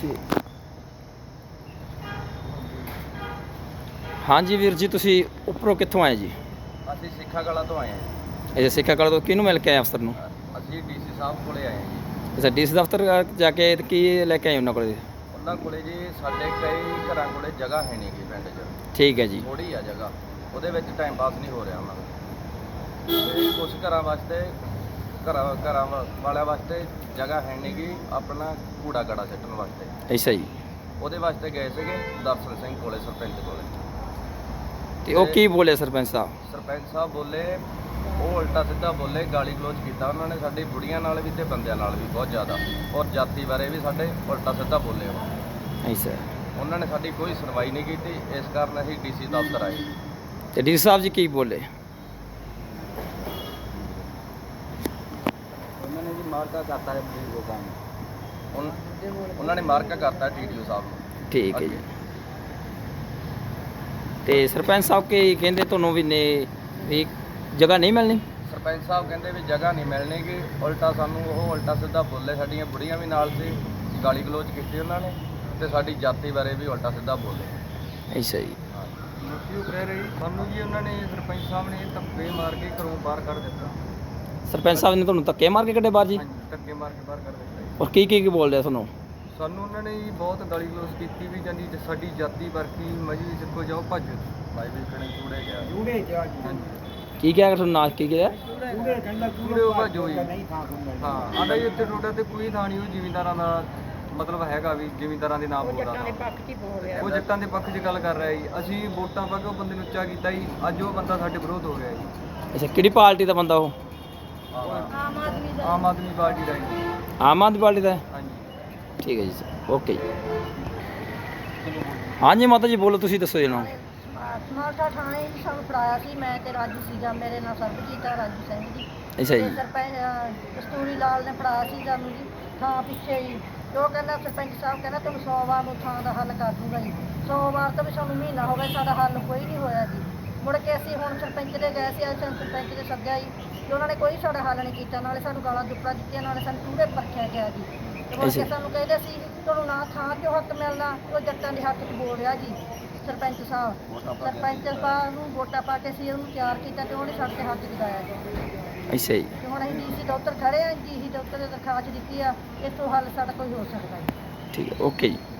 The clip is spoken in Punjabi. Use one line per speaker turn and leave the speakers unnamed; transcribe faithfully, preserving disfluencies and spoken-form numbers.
ਤੇ ਹਾਂਜੀ ਵੀਰ ਜੀ, ਤੁਸੀਂ ਉੱਪਰੋਂ ਕਿੱਥੋਂ ਆਏ ਜੀ?
ਅਸੀਂ ਸਿੱਖਾ ਕਲਾਂ ਤੋਂ ਆਏ ਹਾਂ ਜੀ।
ਅੱਛਾ, ਸਿੱਖਾ ਕਲਾਂ ਤੋਂ ਕਿਹਨੂੰ ਮਿਲ ਕੇ ਆਏ ਅਫਸਰ ਨੂੰ?
ਅਸੀਂ ਡੀਸੀ ਸਾਹਿਬ ਕੋਲੇ ਆਏ ਹਾਂ ਜੀ।
ਅੱਛਾ, ਡੀ ਸੀ ਦਫ਼ਤਰ ਜਾ ਕੇ ਕੀ ਲੈ ਕੇ ਆਏ ਉਹਨਾਂ ਕੋਲ?
ਉਹਨਾਂ ਕੋਲੇ ਜੀ ਸਾਡੇ ਕਈ ਘਰਾਂ ਕੋਲੇ ਜਗ੍ਹਾ ਹੈ ਨਹੀਂ ਗੀ ਪਿੰਡ 'ਚ।
ਠੀਕ ਹੈ ਜੀ।
ਥੋੜ੍ਹੀ ਆ ਜਗ੍ਹਾ, ਉਹਦੇ ਵਿੱਚ ਟਾਈਮ ਪਾਸ ਨਹੀਂ ਹੋ ਰਿਹਾ ਉਹਨਾਂ ਦਾ। ਤੇ ਕੁਛ ਘਰਾਂ ਵਾਸਤੇ ਘਰਾਂ ਘਰਾਂ ਵਾ- ਵਾਲਿਆਂ ਵਾਸਤੇ ਜਗ੍ਹਾ ਹੈ ਨਹੀਂ ਗੀ ਆਪਣਾ ਕੂੜਾ ਕੜਾ ਸਿੱਟਣ ਵਾਸਤੇ।
ਅੱਛਾ ਜੀ।
ਉਹਦੇ ਵਾਸਤੇ ਗਏ ਸੀਗੇ ਦਰਸ਼ਨ ਸਿੰਘ ਕੋਲੇ, ਸਰਪੰਚ ਕੋਲੇ।
ਤੇ ਉਹ ਕੀ ਬੋਲੇ ਸਰਪੰਚ ਸਾਹਿਬ?
ਸਰਪੰਚ ਸਾਹਿਬ ਬੋਲੇ, ਉਹ ਉਲਟਾ ਸਿੱਧਾ ਬੋਲੇ, ਗਾਲੀ ਗਲੋਚ ਕੀਤਾ ਉਹਨਾਂ ਨੇ ਸਾਡੀ ਬੁੜੀਆਂ ਨਾਲ ਵੀ ਤੇ ਬੰਦਿਆਂ ਨਾਲ ਵੀ ਬਹੁਤ ਜ਼ਿਆਦਾ, ਔਰ ਜਾਤੀ ਬਾਰੇ ਵੀ ਸਾਡੇ ਉਲਟਾ ਸਿੱਧਾ ਬੋਲੇ ਉਹ।
ਅੱਛਾ,
ਉਹਨਾਂ ਨੇ ਸਾਡੀ ਕੋਈ ਸੁਣਵਾਈ ਨਹੀਂ ਕੀਤੀ, ਇਸ ਕਾਰਨ ਅਸੀਂ ਡੀਸੀ ਦਫ਼ਤਰ ਆਏ।
ਤੇ ਡੀ ਸੀ ਸਾਹਿਬ ਜੀ ਕੀ ਬੋਲੇ?
ਉਹਨਾਂ ਨੇ ਜੀ ਮਾਰਕਾ ਕਰਤਾ ਹੈ ਲੋਕਾਂ ਨੂੰ, ਉਹਨਾਂ ਨੇ ਮਾਰਕਾ ਕਰਤਾ ਟੀਡੀਓ ਸਾਹਿਬ ਨੂੰ।
ਠੀਕ ਹੈ ਜੀ। ਤੇ ਸਰਪੰਚ ਸਾਹਿਬ ਕੀ ਕਹਿੰਦੇ ਤੁਹਾਨੂੰ ਵੀ ਨੇ ਵੀ ਜਗ੍ਹਾ ਨਹੀਂ ਮਿਲਣੀ?
ਸਰਪੰਚ ਸਾਹਿਬ ਕਹਿੰਦੇ ਵੀ ਜਗ੍ਹਾ ਨਹੀਂ ਮਿਲਣੀ ਗੀ, ਉਲਟਾ ਸਾਨੂੰ ਉਹ ਉਲਟਾ ਸਿੱਧਾ ਬੋਲੇ, ਸਾਡੀਆਂ ਬੁੜੀਆਂ ਵੀ ਨਾਲ ਸੀ, ਗਾਲੀ ਗਲੋਚ ਕੀਤੀ ਉਹਨਾਂ ਨੇ, ਤੇ ਸਾਡੀ ਜਾਤੀ ਬਾਰੇ ਵੀ ਉਲਟਾ ਸਿੱਧਾ ਬੋਲੇ।
ਅੱਛਾ ਜੀ।
ਮੁੱਕੀ ਕਹਿ ਰਹੀ ਸਾਨੂੰ ਜੀ, ਉਹਨਾਂ ਨੇ ਸਰਪੰਚ ਸਾਹਿਬ ਨੇ ਧੱਕੇ ਮਾਰ ਕੇ ਘਰੋਂ ਬਾਹਰ ਕੱਢ ਦਿੱਤਾ।
ਸਰਪੰਚ ਸਾਹਿਬ ਨੇ ਤੁਹਾਨੂੰ ਧੱਕੇ ਮਾਰ ਕੇ ਕੱਢੇ ਬਾਹਰ ਜੀ?
ਹਾਂਜੀ, ਧੱਕੇ ਮਾਰ ਕੇ ਬਾਹਰ ਕੱਢ ਦਿੱਤਾ।
ਔਰ ਕੀ ਕੀ ਕੀ ਬੋਲਦੇ ਆ ਤੁਹਾਨੂੰ?
ਸਾਨੂੰ ਉਹਨਾਂ ਨੇ ਜੀ ਬਹੁਤ ਗਾਲੀ ਗਲੋਚ ਕੀਤੀ ਵੀ ਜਾਂਦੀ, ਸਾਡੀ ਜਾਤੀ ਵਰਗੀ ਮਜੀ ਸਿੱਖੋ ਜਾਓ ਭੱਜ ਭਾਈ ਵੀ ਕਣੇ ਚੂੜੇ ਗਿਆ ਚੂੜੇ ਜਾ ਹਾਂਜੀ।
ਕੀ ਕਿਹਾ ਤੁਹਾਨੂੰ ਨਾਲ ਕੀ ਕਿਹਾ?
ਚੂੜੇ ਕਹਿੰਦਾ ਚੂੜੇ ਭੱਜੋ ਜੀ। ਹਾਂ, ਆਂਦਾ ਜੀ ਇੱਥੇ ਟੋਟਾ ਤੇ ਕੋਈ ਥਾਂ ਨਹੀਂ, ਉਹ ਜ਼ਿਮੀਂਦਾਰਾਂ ਦਾ ਮਤਲਬ ਹੈਗਾ ਵੀ ਜ਼ਿਮੀਂਦਾਰਾਂ ਦੇ ਨਾਮ ਬੋਲਦਾ, ਉਹ ਜੱਟਾਂ ਦੇ ਪੱਖ 'ਚ ਗੱਲ ਕਰ ਰਿਹਾ ਜੀ। ਅਸੀਂ ਵੋਟਾਂ ਪਾ ਕੇ ਉਹ ਬੰਦੇ ਨੂੰ ਉੱਚਾ ਕੀਤਾ ਜੀ, ਅੱਜ ਉਹ ਬੰਦਾ ਸਾਡੇ ਵਿਰੋਧ ਹੋ ਗਿਆ ਜੀ।
ਅੱਛਾ, ਕਿਹੜੀ ਪਾਰਟੀ ਦਾ ਬੰਦਾ ਉਹ?
ਆਮ ਆਦਮੀ ਦਾ ਆਮ ਆਦਮੀ ਪਾਰਟੀ ਦਾ ਜੀ।
ਆਮ ਆਦਮੀ ਪਾਰਟੀ ਦਾ?
ਹਾਂਜੀ,
ਠੀਕ ਹੈ ਜੀ ਸਰ, ਓਕੇ ਜੀ। ਹਾਂਜੀ ਮਾਤਾ ਜੀ ਬੋਲੋ, ਤੁਸੀਂ ਦੱਸੋ ਜੀ ਨਾ।
ਮਾਲਟਾ ਥਾਣੇ ਹੀ ਸਾਨੂੰ ਫੜਾਇਆ ਸੀ, ਮੈਂ ਤੇ ਰਾਜੂ ਸੀਗਾ, ਮੇਰੇ ਨਾਲ ਸਰਬਜੀਤ ਆ, ਰਾਜੂ ਸਿੰਘ ਜੀ।
ਅੱਛਾ ਜੀ।
ਸਰਪੰਚ ਕਸਤੂਰੀ ਲਾਲ ਨੇ ਫੜਾਇਆ ਸੀ ਸਾਨੂੰ ਜੀ ਥਾਂ ਪਿੱਛੇ ਹੀ। ਤੇ ਉਹ ਕਹਿੰਦਾ ਸਰਪੰਚ ਸਾਹਿਬ ਕਹਿੰਦਾ ਤੁਹਾਨੂੰ ਸੌ ਵਾਰ ਨੂੰ ਥਾਂ ਦਾ ਹੱਲ ਕਰ ਦੂੰਗਾ ਜੀ। ਸੌ ਵਾਰ ਤੋਂ ਵੀ ਸਾਨੂੰ ਮਹੀਨਾ ਹੋ ਗਿਆ, ਸਾਡਾ ਹੱਲ ਕੋਈ ਨਹੀਂ ਹੋਇਆ ਜੀ। ਮੁੜ ਕੇ ਅਸੀਂ ਹੁਣ ਸਰਪੰਚ ਦੇ ਗਏ ਸੀ, ਅਸੀਂ ਸਰਪੰਚ ਦੇ ਸੱਦਿਆ ਜੀ, ਤੇ ਉਹਨਾਂ ਨੇ ਕੋਈ ਸਾਡਾ ਹੱਲ ਨਹੀਂ ਕੀਤਾ, ਨਾਲੇ ਸਾਨੂੰ ਗਾਲਾਂ ਦੁੱਪੜਾ ਦਿੱਤੀਆਂ, ਨਾਲੇ ਸਾਨੂੰ ਪੂਰੇ ਪਰਖਿਆ ਗਿਆ ਜੀ। ਤੇ ਮੁੜ ਕੇ ਸਾਨੂੰ ਕਹਿੰਦੇ ਸੀ ਤੁਹਾਨੂੰ ਨਾ ਥਾਂ 'ਚੋਂ ਹੱਕ ਮਿਲਣਾ, ਉਹ ਜੱਟਾਂ ਦੇ ਹੱਕ 'ਚ ਬੋਲ ਰਿਹਾ ਜੀ ਸਰਪੰਚ ਸਾਹਿਬ। ਸਰਪੰਚ ਸਾਹਿਬ ਨੂੰ ਵੋਟਾਂ ਪਾ ਕੇ ਸੀ ਉਹਨੂੰ ਤਿਆਰ ਕੀਤਾ, ਤੇ ਉਹਨੇ ਸਾਡੇ 'ਤੇ ਹੱਥ ਜਗਾਇਆ ਜੀ।
ਅੱਛਾ ਜੀ।
ਤੇ ਹੁਣ ਅਸੀਂ ਡੀਸੀ ਦਫ਼ਤਰ ਖੜੇ ਹਾਂ, ਡੀਸੀ ਦਫ਼ਤਰ ਦੇ ਦਰਖਾਸਤ ਦਿੱਤੀ ਆ, ਇੱਥੋਂ ਹੱਲ ਸਾਡਾ ਕੋਈ ਹੋ ਸਕਦਾ ਜੀ।
ਠੀਕ ਹੈ, ਓਕੇ ਜੀ।